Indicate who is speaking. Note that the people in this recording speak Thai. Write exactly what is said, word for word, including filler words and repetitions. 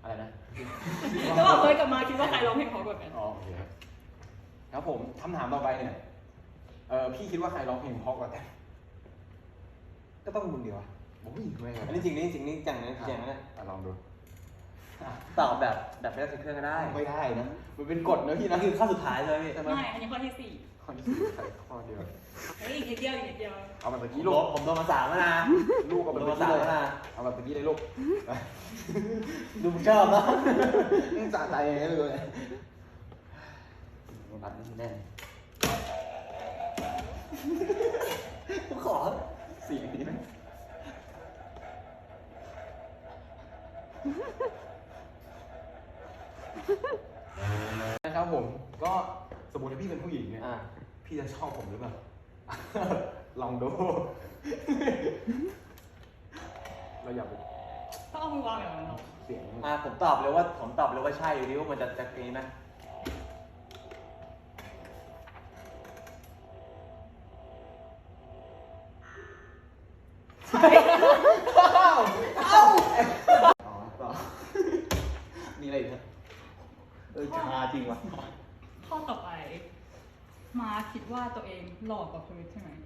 Speaker 1: อะไรนะ
Speaker 2: ระหว่างเพิร์ทกับมาคิดว่าใครร้องเพลงเพราะกว่ากัน
Speaker 1: อ๋อโอเคครับครับผมคำถามต่อไปเนี่ยเออพี่คิดว่าใครร้องเพลงเพราะกว่ากัน
Speaker 3: ก็ต้องมึงเดียวอะ
Speaker 1: โอ้ยไม่ครับ
Speaker 3: อันนี้จริงนี่จริงนี่จังนะจริงนะ
Speaker 1: อ่ะลองดู
Speaker 3: ตอบแบบแบบไม่ต้องใช้เครื่องก็ได้
Speaker 1: ไม่ได้นะมันเป็นกฎนะพี่นะ
Speaker 3: นี่คือข้อสุดท้ายเลยใช่ไหม
Speaker 2: ไม่ อันนี้ข้อที่สี่
Speaker 1: ข้อที่สี่ใส่ข้อเดียว
Speaker 2: เฮ้ยอีกนิดเดียวอีกนิดเดียว
Speaker 1: เอาแบบตะ
Speaker 3: ผ
Speaker 1: กี้
Speaker 3: ม
Speaker 1: ลู
Speaker 3: โด
Speaker 1: ก
Speaker 3: นผมโดนมาสามแล้วนะ
Speaker 1: ลูกเอา
Speaker 3: ผม
Speaker 1: แบบ
Speaker 3: โดน
Speaker 1: ตะ
Speaker 3: มา
Speaker 1: กี้
Speaker 3: สาม
Speaker 1: เลย
Speaker 3: แล้วนะ
Speaker 1: เอาแบบตะกี้เลยลูก
Speaker 3: ดูมึงชอบนะ
Speaker 1: สะใจไงไม่รู้เลย
Speaker 3: บัตรนี่แน่ผมขอ
Speaker 1: เสียงนี้ไหมนะครับผมก็สมมติถ้าพี่เป็นผู้หญิงเนี่ย
Speaker 3: อ่ะ
Speaker 1: พี่จะชอบผมหรือเปล่า ลองดู เราอยาก
Speaker 2: ต้องเอามือวางอย่างนั้นหรอ
Speaker 1: เสียง
Speaker 3: อ่ะผมตอบเลยว่าผมตอบเลยว่าใช่อยู่ดีว่ามันจะจะนี้ไหม
Speaker 2: ใช่
Speaker 1: อ๋อต่อ
Speaker 3: มีอะไรอีกครับเออชาจริงว่ะ
Speaker 2: ข้อต่อไป มาคิดว่าตัวเองหล่อกว่าเพิร์ทใช่ไหม